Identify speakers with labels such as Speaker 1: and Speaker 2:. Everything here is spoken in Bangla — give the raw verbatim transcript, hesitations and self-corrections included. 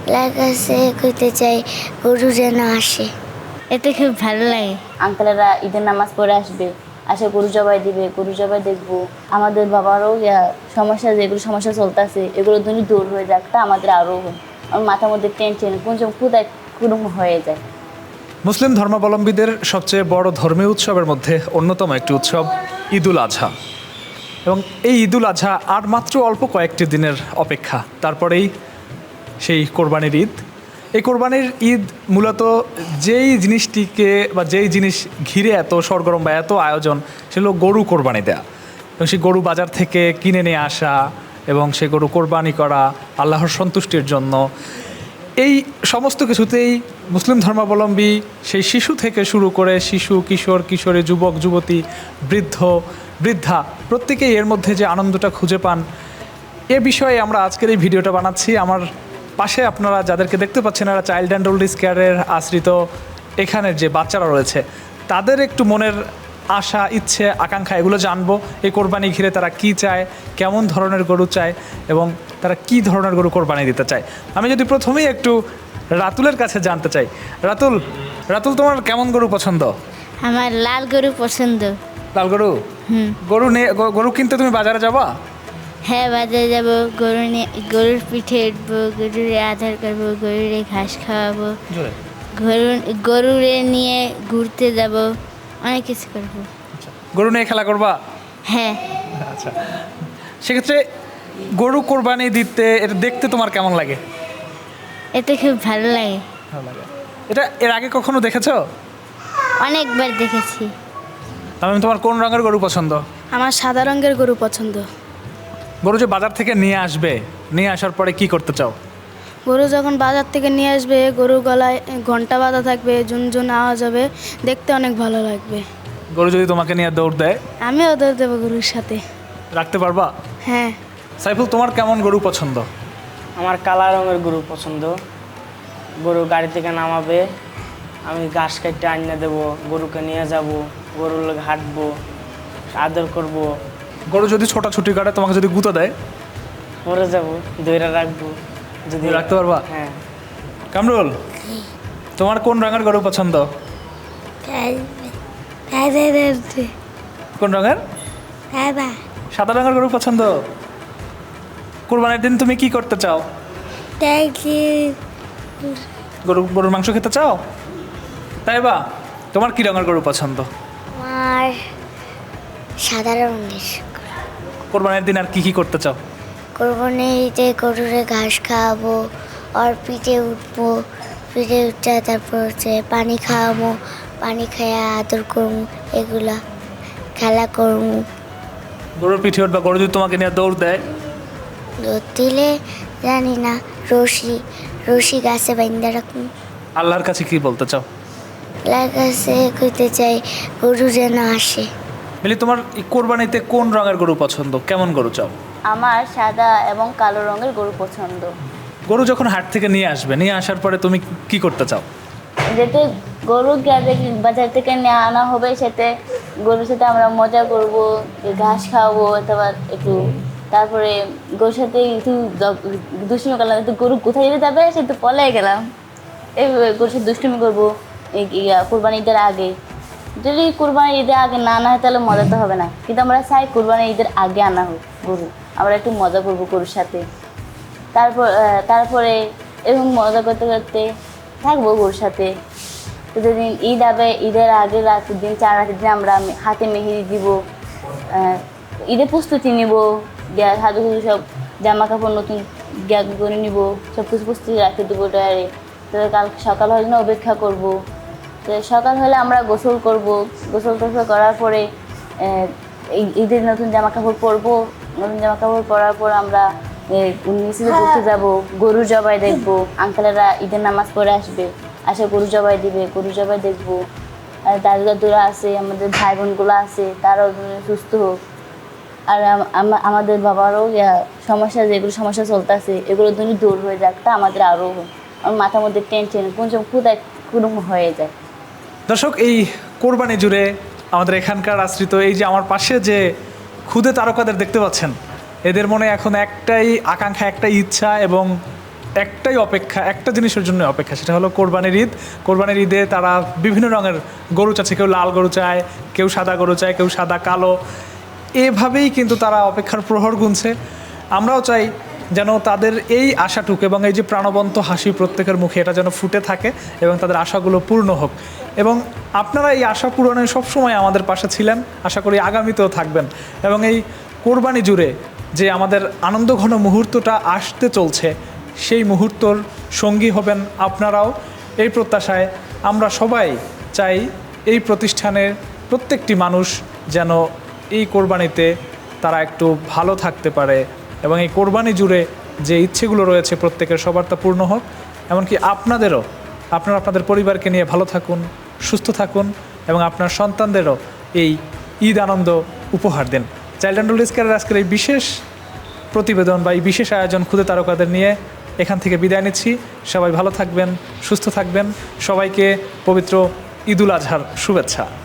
Speaker 1: আল্লাহর কাছে কইতে চাই গরু যেন আসে। এতে খুব ভালো লাগে।
Speaker 2: আঙ্কেলেরা ঈদের নামাজ পড়ে আসবে, আসে গরু জবাই দিবে, গরু জবাই দেখবো। আমাদের বাবারও ইয়া সমস্যা, যেগুলো সমস্যা চলতেছে এগুলো যদি দূর হয়ে যাক, তা আমাদের আরও আমার মাথার মধ্যে টেনশন কোন ক্ষুদায় কুরুম হয়ে যায়।
Speaker 3: মুসলিম ধর্মাবলম্বীদের সবচেয়ে বড় ধর্মীয় উৎসবের মধ্যে অন্যতম একটি উৎসব ঈদুল আজহা, এবং এই ঈদুল আজহা আর মাত্র অল্প কয়েকটি দিনের অপেক্ষা, তারপরেই সেই কোরবানির ঈদ। এই কোরবানির ঈদ মূলত যেই জিনিসটিকে বা যেই জিনিস ঘিরে এত সরগরম বা এত আয়োজন, সেগুলো গরু কোরবানি দেয়া, এবং সেই গরু বাজার থেকে কিনে নিয়ে আসা এবং সেই গরু কোরবানি করা আল্লাহর সন্তুষ্টির জন্য। এই সমস্ত কিছুতেই মুসলিম ধর্মাবলম্বী সেই শিশু থেকে শুরু করে শিশু, কিশোর, কিশোরী, যুবক, যুবতী, বৃদ্ধ, বৃদ্ধা, প্রত্যেকেই এর মধ্যে যে আনন্দটা খুঁজে পান, এ বিষয়ে আমরা আজকের এই ভিডিওটা বানাচ্ছি। আমার পাশে আপনারা যাদেরকে দেখতে পাচ্ছেন, এরা চাইল্ড অ্যান্ড ওল্ড এজ কেয়ারের আশ্রিত এখানের যে বাচ্চারা রয়েছে, তাদের একটু মনের আশা, ইচ্ছে, আকাঙ্ক্ষা এগুলো জানবো। এই কোরবানি ঘিরে তারা কি চায়, কেমন ধরনের গরু চায় এবং তারা কি ধরনের গরু কোরবানি দিতে চায়। আমি যদি প্রথমেই একটু রাতুলের কাছে জানতে চাই, রাতুল রাতুল তোমার কেমন গরু পছন্দ?
Speaker 1: আমার লাল গরু পছন্দ।
Speaker 3: লাল গরু?
Speaker 1: হুম।
Speaker 3: গরু নিয়ে গরু কিনতে তুমি বাজারে যাবা?
Speaker 1: হ্যাঁ, বাজারে যাব, গরু নিয়ে গরুর পিঠে উঠবো, গরুরে আধার করবো, গরুরে ঘাস খাওয়াবো, গরু গরুরে নিয়ে ঘুরতে যাব, অনেক কিছু করবো।
Speaker 3: গরু নিয়ে খেলা করবা?
Speaker 1: হ্যাঁ।
Speaker 3: আচ্ছা, সেক্ষেত্রে গরু কোরবানি দিতে এটা দেখতে তোমার কেমন লাগে?
Speaker 1: এতে খুব ভালো লাগে।
Speaker 3: ভালো লাগে। এটা এর আগে কখনো দেখেছো?
Speaker 1: অনেকবার দেখেছি।
Speaker 3: তাহলে তোমার কোন রঙের গরু পছন্দ?
Speaker 4: আমার সাদা রঙের গরু পছন্দ।
Speaker 3: গরু যে বাজার থেকে নিয়ে আসবে, নিয়ে আসার পরে কি করতে চাও?
Speaker 4: গরু যখন বাজার থেকে নিয়ে আসবে, গরু গলায় ঘন্টা বাঁধা থাকবে, ঝুনঝুন আওয়াজ হবে, দেখতে অনেক ভালো লাগবে।
Speaker 3: গরু যদি তোমাকে নিয়ে দৌড় দেয়?
Speaker 4: আমিও দৌড় দেবো গরুর সাথে।
Speaker 3: রাখতে পারবা?
Speaker 4: হ্যাঁ।
Speaker 3: সাইফুল, তোমার কেমন গরু পছন্দ?
Speaker 5: আমার কালা রঙের গরু পছন্দ। গরু গাড়ি থেকে নামাবে, আমি ঘাস কাটতে আনিয়ে দেবো, গরুকে নিয়ে যাব, গরুর লোক হাঁটবো, আদর করব।
Speaker 3: গরু যদি ছোটাছুটি করে তোমাকে যদি গুঁতো দেয়?
Speaker 5: মরে যাব, দইরা রাখবো। যদি
Speaker 3: রাখতে পারবা?
Speaker 5: হ্যাঁ।
Speaker 3: কামরুল, তোমার কোন রঙের গরু পছন্দ? কোন রঙের? সাদা রঙের গরু পছন্দ। কোরবানির দিন তুমি কি করতে চাও? গরু গরুর মাংস খেতে চাও? তাই বা? তোমার কি রঙের গরু পছন্দ?
Speaker 1: আমার সাদা রঙের।
Speaker 3: কোরবানির দিন আর কি কি করতে চাও?
Speaker 1: কোরবানিতে গরুরে ঘাস খাওয়াবো, আর পিঠে উঠবো, পিঠে উঠে তারপর হচ্ছে পানি খাওয়াবো, পানি খাইয়া আদর করবো, এগুলা খেলা করবো।
Speaker 3: গরুর পিঠে উঠবা, গরু যদি তোমাকে নিয়ে দৌড় দেয়?
Speaker 1: দুধ দিলে জানি না, রশি রশি গাছে বাইন্দা রাখবো।
Speaker 3: আল্লাহর কাছে কি বলতে চাও?
Speaker 1: আল্লাহর কাছে কইতে চাই গরু যেন আসে।
Speaker 3: মিলি, তোমার এই কোরবানিতে কোন রঙের গরু পছন্দ, কেমন গরু চাও?
Speaker 2: আমার সাদা এবং কালো রঙের গরু পছন্দ।
Speaker 3: গরু যখন হাট থেকে নিয়ে আসবে, নিয়ে আসার পরে তুমি কি করতে চাও?
Speaker 2: যেতে গরু বাজার থেকে নিয়ে আনা হবে, সেতে গরুর সাথে আমরা মজা করব, ঘাস খাওয়াবো, অথবা একটু তারপরে গরুর সাথে একটু দুষ্টুমি করলাম, একটু গরু কোথায় যেতে যাবে সে তো পলাই গেলাম, এই গরুর সাথে দুষ্টুমি করবো কোরবানি ঈদের আগে। যদি কোরবানি ঈদের আগে না আনা হয় তাহলে মজা তো হবে না, কিন্তু আমরা চাই কোরবানি ঈদের আগে আনা হোক গরু, আমরা একটু মজা করবো গরুর সাথে। তারপর তারপরে এরকম মজা করতে করতে থাকবো গরুর সাথে। তো যেদিন ঈদ হবে, ঈদের আগে রাতের দিন, চার রাতের দিন আমরা হাতে মেহেদি দিব, ঈদের প্রস্তুতি নিব, হাতে সব জামা কাপড় নতুন গ্যাগ করে নিব, সব কিছু প্রস্তুতি রাখতে দেবো ডয়ারে। তো কাল সকাল হলে না অপেক্ষা করবো। তো সকাল হলে আমরা গোসল করব, গোসল টোসল করার পরে ঈদের নতুন জামা কাপড় পরবো, নতুন জামা কাপড় পরার পর আমরা নিচে ঘুরতে যাবো, গরু জবাই দেখবো। আঙ্কেলেরা ঈদের নামাজ পড়ে আসবে, আসে গরু জবাই দিবে, গরু জবাই দেখবো। আর দাদু দাদুরা আছে, আমাদের ভাই বোনগুলো আছে, তারাও সুস্থ হোক। আর আমাদের বাবারও সমস্যা, যেগুলো সমস্যা চলতেছে এগুলো যদি দূর হয়ে যাক, তা আমাদের আরও আমার মাথার মধ্যে টেনশন কোন ক্ষুদায় কুরুম হয়ে যায়।
Speaker 3: দর্শক, এই কোরবানি জুড়ে আমাদের এখানকার আশ্রিত এই যে আমার পাশে যে ক্ষুদে তারকাদের দেখতে পাচ্ছেন, এদের মনে এখন একটাই আকাঙ্ক্ষা, একটাই ইচ্ছা এবং একটাই অপেক্ষা, একটা জিনিসের জন্য অপেক্ষা, সেটা হলো কোরবানির ঈদ। কোরবানির ঈদে তারা বিভিন্ন রঙের গরু চাচ্ছে, কেউ লাল গরু চায়, কেউ সাদা গরু চায়, কেউ সাদা কালো, এভাবেই কিন্তু তারা অপেক্ষার প্রহর গুনছে। আমরাও চাই যেন তাদের এই আশাটুকু এবং এই যে প্রাণবন্ত হাসি প্রত্যেকের মুখে, এটা যেন ফুটে থাকে এবং তাদের আশাগুলো পূর্ণ হোক। এবং আপনারা এই আশা পূরণে সবসময় আমাদের পাশে ছিলেন, আশা করি আগামীতেও থাকবেন। এবং এই কোরবানি জুড়ে যে আমাদের আনন্দঘন মুহূর্তটা আসতে চলছে, সেই মুহূর্তর সঙ্গী হবেন আপনারাও, এই প্রত্যাশায় আমরা সবাই চাই এই প্রতিষ্ঠানের প্রত্যেকটি মানুষ যেন এই কোরবানিতে তারা একটু ভালো থাকতে পারে এবং এই কোরবানি জুড়ে যে ইচ্ছেগুলো রয়েছে প্রত্যেকের সবার তা পূর্ণ হোক। এমনকি আপনাদেরও, আপনারা আপনাদের পরিবারকে নিয়ে ভালো থাকুন, সুস্থ থাকুন এবং আপনার সন্তানদেরও এই ঈদ আনন্দ উপহার দেন। চাইল্ড অ্যান্ড ওল্ড এজ কেয়ারের আজকের এই বিশেষ প্রতিবেদন বা এই বিশেষ আয়োজন ক্ষুদে তারকাদের নিয়ে এখান থেকে বিদায় নিচ্ছি। সবাই ভালো থাকবেন, সুস্থ থাকবেন। সবাইকে পবিত্র ঈদুল আজহার শুভেচ্ছা।